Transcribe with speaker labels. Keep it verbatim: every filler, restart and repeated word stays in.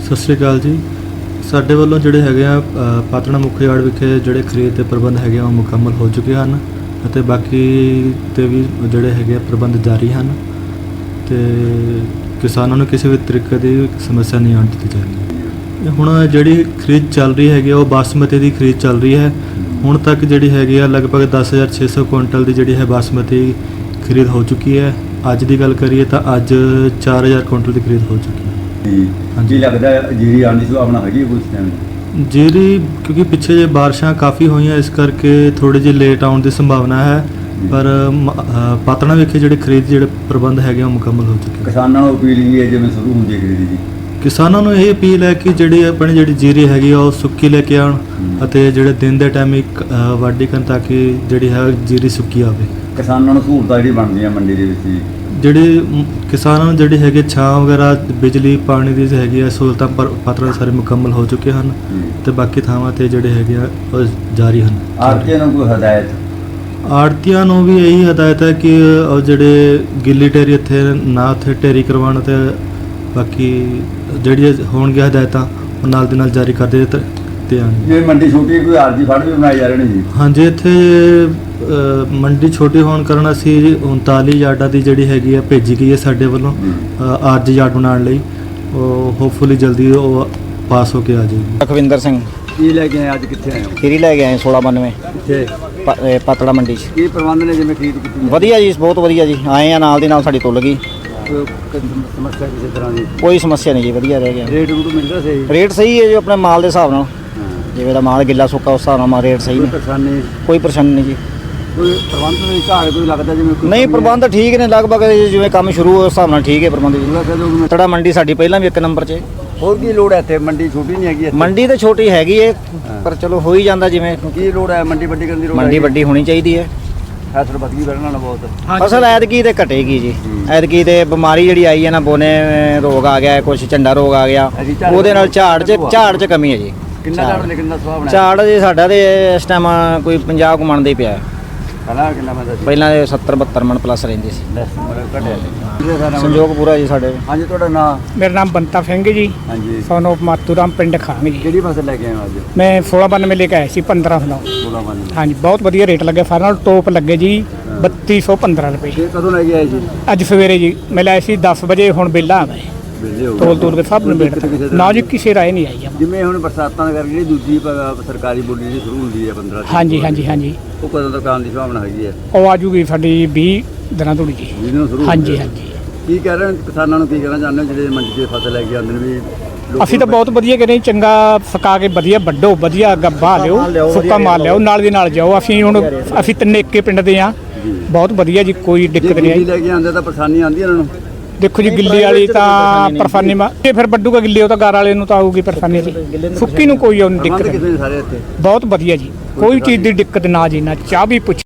Speaker 1: ਸਤਿ ਸ਼੍ਰੀ ਅਕਾਲ ਜੀ। ਸਾਡੇ ਵੱਲੋਂ ਜਿਹੜੇ ਹੈਗੇ ਆ ਪਾਤੜਾ ਮੁੱਖ ਯਾਰਡ ਵਿਖੇ ਜਿਹੜੇ ਖਰੀਦ ਦੇ ਪ੍ਰਬੰਧ ਹੈਗੇ ਆ ਉਹ ਮੁਕੰਮਲ ਹੋ ਚੁੱਕੇ ਹਨ ਅਤੇ ਬਾਕੀ ਤੇ ਵੀ ਜਿਹੜੇ ਹੈਗੇ ਆ ਪ੍ਰਬੰਧ ਜਾਰੀ ਹਨ ਤੇ ਕਿਸਾਨਾਂ ਨੂੰ ਕਿਸੇ ਵੀ ਤਰੀਕੇ ਦੀ ਸਮੱਸਿਆ ਨਹੀਂ ਆਉਣ ਦਿੱਤੀ ਜਾਏਗੀ। ਹੁਣ ਜਿਹੜੀ ਖਰੀਦ ਚੱਲ ਰਹੀ ਹੈਗੀ ਆ ਉਹ ਬਾਸਮਤੀ ਦੀ ਖਰੀਦ ਚੱਲ ਰਹੀ ਹੈ। ਹੁਣ ਤੱਕ ਜਿਹੜੀ ਹੈਗੀ ਆ ਲਗਭਗ ਦਸ ਹਜ਼ਾਰ ਛੇ ਸੌ ਕੁਇੰਟਲ ਦੀ ਜਿਹੜੀ ਹੈ ਬਾਸਮਤੀ ਖਰੀਦ ਹੋ ਚੁੱਕੀ ਹੈ। ਅੱਜ ਦੀ ਗੱਲ ਕਰੀਏ ਤਾਂ ਅੱਜ ਚਾਰ ਹਜ਼ਾਰ ਕੁਇੰਟਲ ਦੀ ਖਰੀਦ ਹੋ ਚੁੱਕੀ ਹੈ।
Speaker 2: ਹਾਂਜੀ ਲੱਗਦਾ ਜੀਰੀ ਆਉਣ ਦੀ ਸੰਭਾਵਨਾ ਹੈਗੀ ਕੁਝ ਟਾਈਮ
Speaker 1: ਜੀਰੀ ਕਿਉਂਕਿ ਪਿੱਛੇ ਜੇ ਬਾਰਿਸ਼ਾਂ ਕਾਫੀ ਹੋਈਆਂ ਇਸ ਕਰਕੇ ਥੋੜੀ ਜਿਹੀ ਲੇਟ ਆਉਣ ਦੀ ਸੰਭਾਵਨਾ ਹੈ ਪਰ ਪਾਤੜਾ ਵਿਖੇ ਜਿਹੜੇ ਖਰੀਦ ਜਿਹੜੇ ਪ੍ਰਬੰਧ ਹੈਗੇ ਉਹ ਮੁਕੰਮਲ ਹੋ ਚੁੱਕੇ।
Speaker 2: ਕਿਸਾਨਾਂ ਨੂੰ ਅਪੀਲ ਕੀ ਹੈ ਜਿਵੇਂ ਸ਼ੁਰੂ ਹੁੰਦੀ ਹੈ ਖਰੀਦ ਜੀ?
Speaker 1: ਕਿਸਾਨਾਂ ਨੂੰ ਇਹ ਅਪੀਲ ਹੈ ਕਿ ਜਿਹੜੀ ਆਪਣੀ ਜਿਹੜੀ ਜੀਰੀ ਹੈਗੀ ਆ ਉਹ ਸੁੱਕੀ ਲੈ ਕੇ ਆਉਣ ਅਤੇ ਜਿਹੜੇ ਦਿਨ ਦੇ ਟਾਈਮ ਇੱਕ ਵਾਢੀ ਕਰਨ ਤਾਂ ਕਿ ਜਿਹੜੀ ਹੈ ਜੀਰੀ ਸੁੱਕੀ ਆਵੇ।
Speaker 2: ਕਿਸਾਨਾਂ ਨੂੰ ਸਹੂਲਤਾਂ ਜਿਹੜੀ ਬਣਦੀਆਂ ਮੰਡੀ ਦੇ ਵਿੱਚ ਜੀ
Speaker 1: ਜਿਹੜੀ ਕਿਸਾਨਾਂ ਨੂੰ ਜਿਹੜੀ ਹੈਗੀ ਛਾਂ ਵਗੈਰਾ ਬਿਜਲੀ ਪਾਣੀ ਦੀ ਹੈਗੀ ਆ ਸਹੂਲਤਾਂ ਪਰ ਪਾਤੜਾ ਸਾਰੇ ਮੁਕੰਮਲ ਹੋ ਚੁੱਕੇ ਹਨ ਤੇ ਬਾਕੀ ਥਾਵਾਂ ਤੇ ਜਿਹੜੇ ਹੈਗੇ ਆ ਉਹ ਜਾਰੀ ਹਨ।
Speaker 2: ਆੜ੍ਹਤੀਆਂ ਨੂੰ ਕੋਈ ਹਦਾਇਤ?
Speaker 1: ਆੜ੍ਹਤੀਆਂ ਨੂੰ ਵੀ ਇਹੀ ਹਦਾਇਤ ਹੈ ਕਿ ਉਹ ਜਿਹੜੇ ਗਿੱਲੀ ਢੇਰੀ ਇੱਥੇ ਨਾ ਉੱਥੇ ਢੇਰੀ ਕਰਵਾਉਣ ਤੇ ਬਾਕੀ ਜਿਹੜੀਆਂ ਹੋਣਗੀਆਂ ਹਦਾਇਤਾਂ ਉਹ ਨਾਲ ਦੇ ਨਾਲ ਜਾਰੀ ਕਰਦੇ ਤੇ ਹਨ।
Speaker 2: ਜੇ ਮੰਡੀ ਛੋਟੀ ਕੋਈ ਆਰਜੀ ਫੜ ਵੀ ਬਣਾਏ ਜਾ ਰਹੇ ਨੇ ਜੀ? ਹਾਂਜੀ,
Speaker 1: ਇੱਥੇ ਮੰਡੀ ਛੋਟੀ ਹੋਣ ਕਾਰਨ ਅਸੀਂ ਉਨਤਾਲੀ ਯਾਰਡਾਂ ਦੀ ਜਿਹੜੀ ਹੈਗੀ ਆ ਭੇਜੀ ਗਈ ਹੈ ਸਾਡੇ ਵੱਲੋਂ ਆਰਜੀ ਯਾਰਡ ਬਣਾਉਣ ਲਈ। ਉਹ ਹੋਪਫੁਲੀ ਜਲਦੀ ਉਹ ਪਾਸ ਹੋ ਕੇ ਆ ਜਾਏਗੀ।
Speaker 3: ਲਖਵਿੰਦਰ ਸਿੰਘ
Speaker 2: ਕੀ ਲੈ ਕੇ ਆਏ ਅੱਜ? ਕਿੱਥੇ ਆਏ ਹੋ?
Speaker 3: ਖੀਰੀ ਲੈ ਕੇ ਆਏ ਸੋਲਾਂ ਬਾਨਵੇਂ
Speaker 2: ਕਿੱਥੇ?
Speaker 3: ਪਾਤੜਾ ਮੰਡੀ 'ਚ।
Speaker 2: ਕੀ ਪ੍ਰਬੰਧ ਨੇ ਜਿਵੇਂ ਖਰੀਦ ਕੀਤੀ?
Speaker 3: ਵਧੀਆ ਜੀ, ਬਹੁਤ ਵਧੀਆ ਜੀ। ਆਏ ਆ ਨਾਲ ਦੀ ਨਾਲ ਸਾਡੀ ਤੁੱਲ ਗਈ,
Speaker 2: ਸਮੱਸਿਆ ਕਿਸੇ ਤਰ੍ਹਾਂ ਦੀ?
Speaker 3: ਕੋਈ ਸਮੱਸਿਆ ਨਹੀਂ ਜੀ, ਵਧੀਆ ਰਹਿ ਗਿਆ।
Speaker 2: ਰੇਟ ਰੂਟ ਮਿਲਦਾ ਸਹੀ?
Speaker 3: ਰੇਟ ਸਹੀ ਹੈ ਜੀ ਆਪਣੇ ਮਾਲ ਦੇ ਹਿਸਾਬ ਨਾਲ, ਜਿਵੇਂ ਦਾ ਮਾਲ ਗਿੱਲਾ ਸੁੱਕਾ ਉਸ ਹਿਸਾਬ ਨਾਲ ਰੇਟ ਸਹੀ ਨੇ,
Speaker 2: ਪਰੇਸ਼ਾਨੀ
Speaker 3: ਕੋਈ ਪਰੇਸ਼ਾਨੀ ਨਹੀਂ ਜੀ।
Speaker 2: ਕੋਈ ਪ੍ਰਬੰਧ ਨਹੀਂ ਘਾਟ ਕੋਈ ਲੱਗਦਾ ਜਿਵੇਂ ਕੋਈ?
Speaker 3: ਨਹੀਂ, ਪ੍ਰਬੰਧ ਠੀਕ ਨੇ ਲਗਭਗ ਜਿਵੇਂ ਕੰਮ ਸ਼ੁਰੂ ਉਸ ਹਿਸਾਬ ਨਾਲ ਠੀਕ ਹੈ ਪ੍ਰਬੰਧ ਜੀ। ਪਾਤੜਾ ਮੰਡੀ ਸਾਡੀ ਪਹਿਲਾਂ ਵੀ ਇੱਕ ਨੰਬਰ 'ਚ।
Speaker 2: ਹੋਰ ਕੀ ਲੋੜ ਹੈ ਇੱਥੇ? ਮੰਡੀ ਛੋਟੀ ਨਹੀਂ ਹੈਗੀ ਇੱਥੇ?
Speaker 3: ਮੰਡੀ ਤਾਂ ਛੋਟੀ ਹੈਗੀ ਹੈ ਪਰ ਚਲੋ ਹੋ ਹੀ ਜਾਂਦਾ। ਜਿਵੇਂ
Speaker 2: ਕੀ ਲੋੜ ਹੈ ਮੰਡੀ ਵੱਡੀ ਕਰਨ ਦੀ? ਲੋੜ
Speaker 3: ਮੰਡੀ ਵੱਡੀ ਹੋਣੀ ਚਾਹੀਦੀ ਹੈ।
Speaker 2: ਫਸਲ ਵੱਧ ਗਈ ਵਧਣਾ ਨਾ ਬਹੁਤ।
Speaker 3: ਫਸਲ ਐਤਕੀ ਤੇ ਘਟੇਗੀ ਜੀ। ਐਤਕੀ ਤੇ ਬਿਮਾਰੀ ਜਿਹੜੀ ਆਈ ਹੈ ਨਾ, ਬੋਨੇ ਰੋਗ ਆ ਗਿਆ, ਕੁਛ ਝੰਡਾ ਰੋਗ ਆ ਗਿਆ, ਉਹਦੇ ਨਾਲ ਝਾੜ 'ਚ ਝਾੜ 'ਚ ਕਮੀ ਹੈ ਜੀ।
Speaker 2: ਕਿੰਨਾ ਝਾੜ ਲਿਖਣ ਦਾ ਸੁਭਾਅ ਬਣਾਇਆ?
Speaker 3: ਝਾੜ ਜੀ ਸਾਡਾ ਤੇ ਇਸ ਟਾਈਮ ਕੋਈ ਪੰਜਾਹ ਕੁ ਮਣ ਦੇ ਪਿਆ।
Speaker 2: ਪਹਿਲਾਂ ਕਿੰਨਾ ਬੰਦਾ ਸੀ?
Speaker 3: ਪਹਿਲਾਂ ਇਹ ਸੱਤਰ ਬਹੱਤਰ ਮਣ ਪਲੱਸ ਰਹਿੰਦੀ ਸੀ।
Speaker 2: ਘਟਿਆ
Speaker 3: ਸੰਯੋਗ ਪੂਰਾ ਜੀ ਸਾਡੇ।
Speaker 2: ਹਾਂਜੀ, ਤੁਹਾਡਾ ਨਾਮ?
Speaker 4: ਮੇਰਾ ਨਾਮ ਬੰਤਾ ਸਿੰਘ ਜੀ।
Speaker 2: ਹਾਂਜੀ,
Speaker 4: ਸੋਨ ਆਫ ਮਾਤੂਰਾਮ ਪਿੰਡ ਖਾਂਗ ਜੀ।
Speaker 2: ਕਿਹੜੀ ਫਸਲ ਲੈ ਕੇ ਆਏ ਹੋ ਅੱਜ?
Speaker 4: ਮੈਂ ਸੋਲਾਂ ਬਾਨਵੇਂ ਲੈ ਕੇ ਆਇਆ ਸੀ ਪੰਦਰਾਂ ਸੌ।
Speaker 2: ਸੋਲਾਂ ਬਾਨਵੇਂ।
Speaker 4: ਹਾਂਜੀ, ਬਹੁਤ ਵਧੀਆ ਰੇਟ ਲੱਗੇ। ਫਾਈਨਲ ਟੋਪ ਲੱਗੇ ਜੀ ਬੱਤੀ ਸੌ ਪੰਦਰਾਂ ਰੁਪਏ।
Speaker 2: ਇਹ ਕਦੋਂ ਲੈ ਕੇ ਆਏ ਜੀ?
Speaker 4: ਅੱਜ ਸਵੇਰੇ ਜੀ ਮੈਂ ਲਾਇਆ ਸੀ ਦਸ ਵਜੇ। ਹੁਣ ਬਿੱਲਾ ਆ ਗਏ
Speaker 2: ਵਿਹਲੇ ਹੋ ਗਏ?
Speaker 4: ਤੋਲ ਤੋਲ ਕੇ ਸਭ ਨੂੰ ਵੇਟ ਨਾ ਜੀ, ਕਿਸੇ ਰਾਏ ਨਹੀਂ ਆਈ।
Speaker 2: ਜਿਵੇਂ ਹੁਣ ਬਰਸਾਤਾਂ ਕਰਕੇ ਜਿਹੜੀ ਦੂਜੀ ਪ- ਸਰਕਾਰੀ ਬੋਲੀ ਜਿਹੜੀ ਸ਼ੁਰੂ ਹੁੰਦੀ ਹੈ ਪੰਦਰਾਂ ਤਰੀਕ
Speaker 4: ਹਾਂਜੀ
Speaker 2: ਤੋਂ,
Speaker 4: ਹਾਂਜੀ ਹਾਂਜੀ
Speaker 2: ਉਹ ਕਦੋਂ ਤੱਕ ਆਉਣ ਦੀ ਸੰਭਾਵਨਾ ਹੈਗੀ ਹੈ?
Speaker 4: ਉਹ ਆ ਜੂਗੀ ਸਾਡੀ ਵੀਹ ਦਿਨਾਂ ਤੋਂ ਜੀ।
Speaker 2: ਜਿਹਨੂੰ ਸ਼ੁਰੂ
Speaker 4: ਹਾਂਜੀ
Speaker 2: ਹੁੰਦੀ ਹੈ।
Speaker 4: ਹਾਂਜੀ
Speaker 2: ਕੀ ਕਹਿ ਰਹੇ ਹੋ ਕਿਸਾਨਾਂ ਨੂੰ? ਕੀ ਕਹਿਣਾ ਚਾਹੁੰਦੇ ਹੋ ਜਿਹੜੇ ਮੰਡੀ 'ਚ ਫਸਲ ਲੈ ਕੇ ਆਉਂਦੇ ਨੇ ਵੀ ਲੋਕਾਂ
Speaker 4: ਅਸੀਂ ਤਾਂ ਬਹੁਤ ਵਧੀਆ ਕਹਿੰਦੇ ਚੰਗਾ ਸੁਕਾ ਕੇ ਵਧੀਆ ਵੱਢੋ, ਵਧੀਆ ਗੱਬਾ ਲਿਓ, ਸੁੱਕਾ ਮਾਲ ਲਿਓ, ਨਾਲ ਦੀ ਨਾਲ ਜਾਓ। ਅਸੀਂ ਹੁਣ ਅਸੀਂ ਤਿੰਨੇ ਇੱਕੇ ਪਿੰਡ ਦੇ ਆ, ਬਹੁਤ ਵਧੀਆ ਜੀ, ਕੋਈ ਦਿੱਕਤ ਨਹੀਂ ਆਈ।
Speaker 2: ਲੈ ਕੇ ਆਉਂਦੇ ਤਾਂ ਪਰੇਸ਼ਾਨੀ ਆਉਂਦੀ ਇਹਨਾਂ ਨੂੰ?
Speaker 4: ਦੇਖੋ ਜੀ, ਗਿੱਲੀ ਵਾਲੀ ਤਾਂ ਪਰੇਸ਼ਾਨੀ ਮਾ ਤੇ ਫਿਰ ਵੱਡੂਗਾ ਗਿੱਲੇ, ਉਹ ਤਾਂ ਗਾਰ ਵਾਲੇ ਨੂੰ ਤਾਂ ਆਊਗੀ ਪਰੇਸ਼ਾਨੀ ਜੀ। ਸੁੱਕੀ ਨੂੰ ਕੋਈ ਉਹ ਦਿੱਕਤ
Speaker 2: ਪ੍ਰਬੰਧ
Speaker 4: ਨਹੀਂ,
Speaker 2: ਕਿਤੇ ਨੇ ਸਾਰੇ ਇੱਥੇ?
Speaker 4: ਬਹੁਤ ਵਧੀਆ ਜੀ, ਕੋਈ ਚੀਜ਼ ਦੀ ਦਿੱਕਤ ਨਾ ਜੀ, ਨਾ ਚਾਹ ਵੀ ਪੁੱਛ